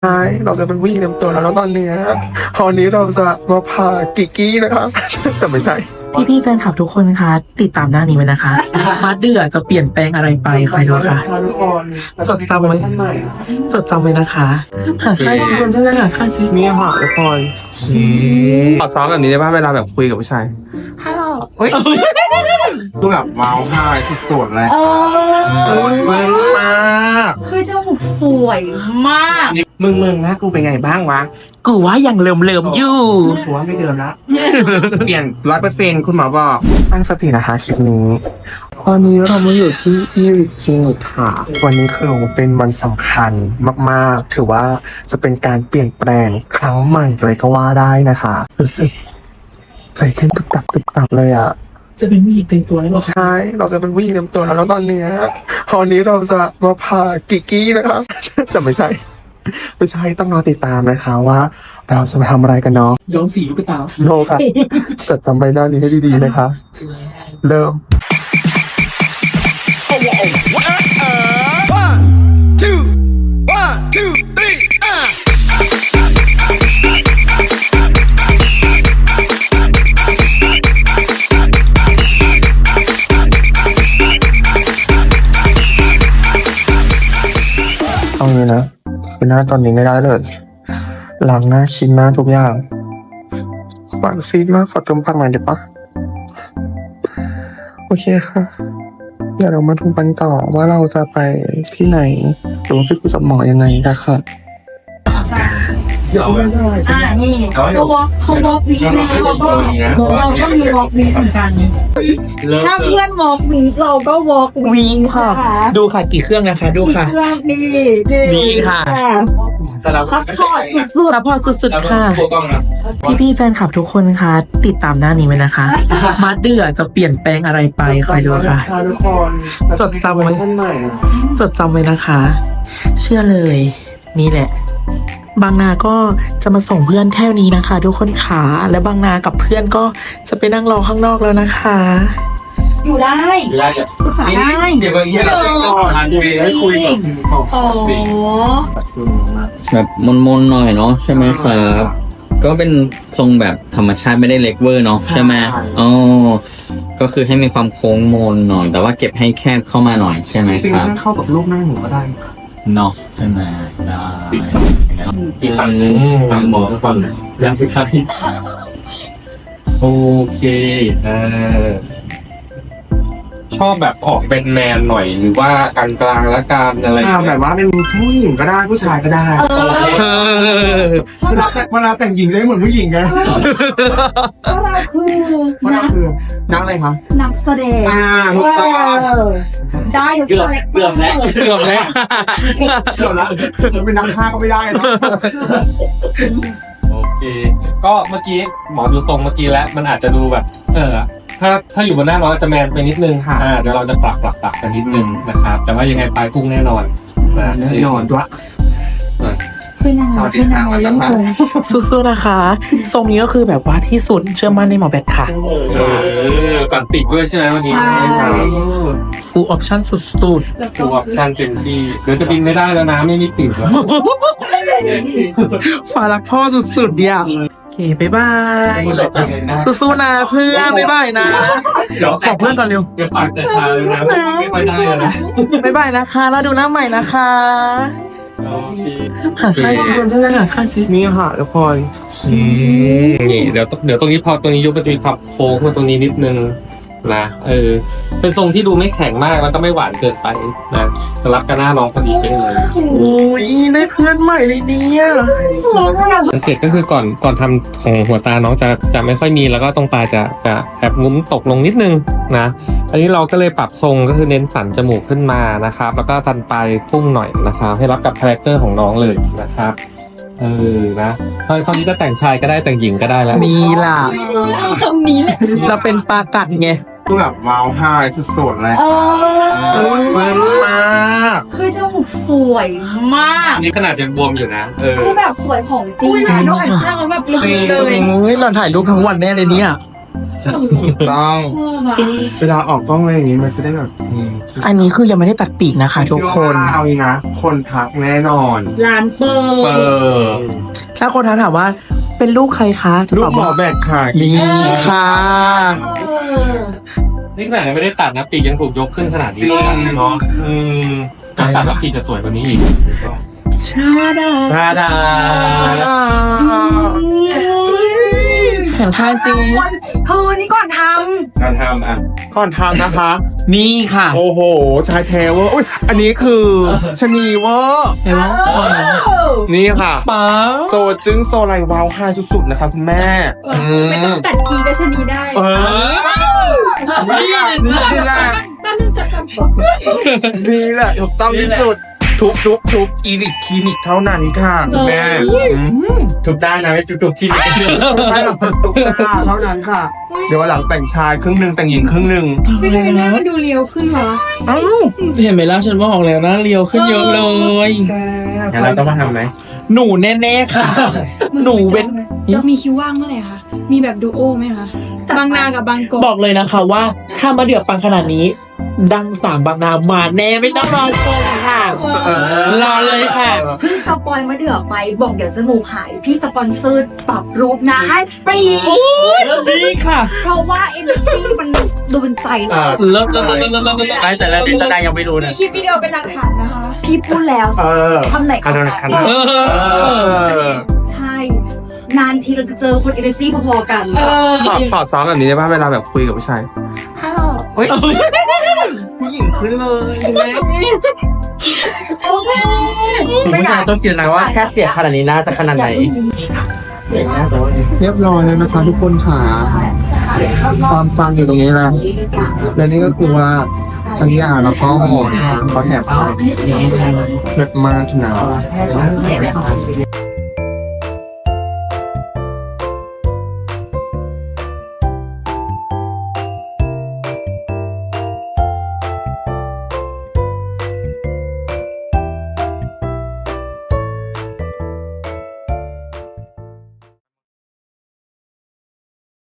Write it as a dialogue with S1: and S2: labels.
S1: ใช่เราจะเป็นผู้หญิงเต็มตัวแล้วตอนนี้เราจะมาพากิกกี้นะคะแต่ไม่ใช่
S2: พี่แฟนคลับทุกคนคะติดตามหน้านี้ไว้นะคะพาร์ทเดือจะเปลี่ยนแปลงอะไรไปคอยดูค่ะจดจำไว้นะคะหาค่ายซิคนเพื่อนหาค่ายซิ
S1: มีหาทุกคนขอซ้อมแบบนี้ได้ป่ะเวลาแบบคุยกับผู้ชาย
S2: ฮัลโหล
S1: เฮ้ยดูแบบว้าวไห้สุดๆเลยซึ้งมาก
S3: คือจมูกสวยมาก
S1: มึงนะกูเป็นไงบ้างวะ
S2: กูว่ายังเลิมอยู่
S1: กูว่าไม่เดิมละ เปลี่ยน100%คุณหมอบอกตั้งสตินะคะคลิปนี้วันนี้เรามาอยู่ที่อีริคลินิกค่ะวันนี้คือเป็นวันสำคัญมากๆถือว่าจะเป็นการเปลี่ยนแปลงครั้งใหม่เลยก็ว่าได้นะคะรู้สึกใจเต้นตุบตับเลยอ่ะ
S2: จะเป็นผู้หญิงเต็มตัวแล้วหรอ
S1: ใช่เราจะเป็นผู้หญิงเต็มตัวแล้วตอนนี้เราจะมาพากิกกี้นะคะแต่ไม่ใช่ต้องรอติดตามนะคะว่าเราจะมาทำอะไรกันเนาะ
S2: ย้อมสีลูกตา
S1: โนค่ะจดจำใบหน้านี้ให้ดีๆนะคะ เริ่ม เอาเลยนะคือหน้าตอนนี้ไม่ได้เลยล้างหน้าคิ้นหน้าทุกอย่างปากซีดมากขอเติมปากหน่อยได้ปะโอเคค่ะเดี๋ยวเรามาดูกันต่อว่าเราจะไปที่ไหนหรือว่าไปคุยกับหมอยังไงนะคะ
S3: นี่เขาวอล์กวีนะเราก็มีวอล์กวีเหมือนกัน ถ้าเพื่อนวอล์กวีเราก็วอล์กวี
S2: วิ่งค่ะ ดูค่ะกี่เครื่องนะคะดูค่ะ
S3: เพื่อนดี
S2: ดีค่ะ
S3: ซัพพอร์ตสุด
S2: ซัพพอร์ตสุดๆค่ะพี่แฟนคลับทุกคนคะติดตามหน้านี้ไว้นะคะพาร์ทเดือจะเปลี่ยนแปลงอะไรไปคอยดูค่ะ
S1: ทุกคน
S2: จดจำไว้นะคะ เชื่อเลยนี่แหละ บางนาก็จะมาส่งเพื่อนแถวนี้นะคะ ทุกคนขาและบางนากับเพื่อนก็จะไปนั่งรอข้างนอกแล้วนะคะ
S3: ๆอยู่ได้ปรึกษาได้
S1: เดี๋ยวบางทีเราไปก่อนให้คุยกับหมอ
S3: โอ้
S4: แบบมนๆหน่อยเนาะใช่ไหมครับก็เป็นทรงแบบธรรมชาติไม่ได้เล็กเวอร์เนาะใช่ไหมอ๋อก็คือให้มีความโค้งมนหน่อย แต่ว่าเก็บให้แคบเข้ามาหน่อยใช่ไหม
S1: จริง
S4: ครับ
S1: ๆถ้าเข้ากับลูกหน้าหนูก็ได้
S4: เนาะใช่ไหมได้
S5: อีกฝั่งนึงฝั่งหมอฝั่งยังไม่ครับโอเคชอบแบบออกเป็นแมนหน่อยหรือว่ากลางๆและการอะไร
S1: แบบว่าเป็นผู้หญิงก็ได้ผู้ชายก็ได้เวลาแต่งหญิงจะไม่เหมือนผู้หญิงไง
S3: เพราะเราคือ
S1: เพราะเราคือนักอะไรคะ
S3: นักแสดง
S1: ถูกต้อง
S3: ได้ทุก
S5: เกือบ
S3: คาแรคเต
S5: เกื
S3: อ
S5: อบ
S3: ร์
S5: แล้วเกือบแล้ว
S1: เกือบละเป็นนักฆ่าก็ไม่ได้นะ
S5: โอเคก็เมื่อกี้หมอดูทรงเมื่อกี้แล้วมันอาจจะดูแบบถ้าอยู่บนหน้าน้องจะแมนไปนิดนึงเดี๋ยวเราจะปรับกันนิดนึงนะครับแต่ว่ายังไงปลายพุ่งแน่นอนนะ
S1: แน่นอนด้วย
S3: เพื่อนนางเล่นคง
S2: สู้ๆนะคะ ทรงนี้ก็คือแบบว่าที่สุดเชื่อมั่นในหมอแบทค่ะ
S5: ก่อนปิดด้วยใช่ไหมวันนี้
S2: full option สุด
S5: ตัวการเต็มที่เดี๋ยวจะบินไม่ได้แล้วนะไม่มีปิดแล้ว
S2: ๆฝารักพ่อสุดๆเนี่ยโอเคบ๊ายบายสู้ๆนะเพื่อนบ๊ายบายนะบอกเพื่อนก่อนเร็ว
S5: เดี๋ยวฝากแต่เช้าเลยนะไม่ค่อยได้เลยนะ
S2: บ๊ายบายนะคะแล้วดูหน้าใหม่นะคะ
S5: โอเค
S2: หาค่ายซิคนเพื่อนหาค่ายซิ
S1: นี่ค่ะทุกคน
S5: นี่เดี๋ยวตรงนี้พอตรงนี้ยุบมันจะมีความโค้งมาตรงนี้นิดนึงนะเป็นทรงที่ดูไม่แข็งมากแล้วก็ไม่หวานเกินไปนะจะรับกับหน้าน้องพอดีไปเลย
S2: โอ้ยได้เพื่อนใหม่เลยเนี่ย
S5: สังเกตก็คือก่อนทำของหัวตาน้องจะไม่ค่อยมีแล้วก็ตรงตาจะแอบงุ้มตกลงนิดนึงนะอันนี้เราก็เลยปรับทรงก็คือเน้นสันจมูกขึ้นมานะครับแล้วก็ตันปลายพุ่งหน่อยนะครับให้รับกับคาแรคเตอร์ของน้องเลยนะครับนะคราวนี้จะแต่งชายก็ได้แต่งหญิงก็ได้แล้ว
S2: นี่ล่ะ
S3: คำนี้แหละ
S2: เราเป็นปลากัดไง
S1: ดูแบบว้าวไห้สุดๆเลยซึ้งมาก
S3: คือจมูกสวยมาก
S5: อันนี้ขนาดยังบวมอยู่นะ
S3: คือแบบสวยของจริงน้องอันเช่าแบบลุกเลย
S2: โอ้ยเราถ่ายรูปทั้งวันแน่เลยเนี่ย
S1: ถูกต้องเวลาออกกล้องอะไรอย่างนี้มันจะได้แบบ
S2: อันนี้คือยังไม่ได้ตัดปีกนะคะทุกคน
S1: เอาอีกนะคนทักแน่นอน
S3: ร้านเปิ
S1: เปิ
S3: ด
S1: ด
S2: ถ้าคนถามว่าเป็นลูกใครคะจะ
S1: ลู
S2: ต
S1: ก
S2: อบ
S1: หมอ
S2: ว่า
S1: แบกค่ะ
S2: นี่ค่ะ
S5: นี่ขนาดยังไม่ได้ตัดนะปีกยังถูกยกขึ้นขนาดนี้เลยเนาะตัดแล้วปีกจะสวยกว่านี้อีก
S2: ชาดา
S5: ดาดา
S2: เห็นค่าซิ
S3: เธอนี่ก่อนท
S5: การทำอ่ะ
S1: ก่อนทำนะคะ
S2: นี่ค่ะ
S1: โอ้โห ชายแท้เวอร์อุ๊ยอันนี้คือชะนีเวอร์
S2: เห็นไหม
S1: นี่ค่ะ
S2: ป๊า
S1: โซจึงโซไลวาวไฮสุดๆนะคะคุณแม่
S3: ไม่ต้องตัดทีก็ชนีได้
S1: เออนี่แหละนี่แหละถูกต้องที่สุด ทุกอีลิทคลินิกเท่านั้นค่ะคุณแม่
S5: ทุกด้านนะไม่ทุกที่
S1: ใช่หรอกทุกค่ะเท่านั้นค่ะ เดี๋ยววันหลังแต่งชายครึ่งหนึ่งแต่งหญิงครึ่งหนึ่ง
S3: ไม่ทำไมหน้ามันดูเรียวขึ้นวะ
S2: เอ้าเห็นไหมล่ะฉันบอกแล้วนะเรียวขึ้นเยอะเลย
S5: งั้นเราต้องมาทำไหม
S2: หนูแน่ๆค่ะ หนูเว้น
S3: จะมีคิวว่างเมื่อไหร่คะมีแบบดูโอไหมคะบางนากับบางกอก
S2: บอกเลยนะคะว่าถ้ามาเดือดปังขนาดนี้ ดังสามบางนามาแน่ไม่ต้องรอชมค่ะ รอเลยค่ะ
S6: เพิ่งสปอยมาเดือกไปบอกเดี๋ยวจมูกหาย พี่สปอนเซอร์ปรับรูปหน้าให้ฟรี
S2: นี่ค่ะ
S6: เพราะว่าเอเนอร์จีมันดูเป็นใจเรา
S2: เลิศได้แต่แล้วนี่จะได้ยังไม่รู้
S3: มี
S2: นะ
S3: คลิปวิดีโอเป็นหลักฐานนะคะ
S6: พี่พูดแล้ว
S1: เออ
S6: ทำไหนขนาด
S5: ขนาด
S2: เออ
S6: ใช่ นานทีเราจะเจอคนเอเนอร์จีพอๆกัน
S1: สอดซ้อมแบบนี้ได้ป่ะเวลาแบบคุยกับผู้ชายเฮ้ยผู้หญิงขึ้นเลยคุณแม่
S2: ผู้ชายต้องคิดนะว่าแค่เสียขนาดนี้น่าจะขนาดไหน
S1: เรียบร้อยแล้วนะคะทุกคนค่ะความฟังอยู่ตรงนี้แล้วและนี่ก็คือว่าอันนี้แล้วก็หมอนเขาแถบให้เลิศมากนะ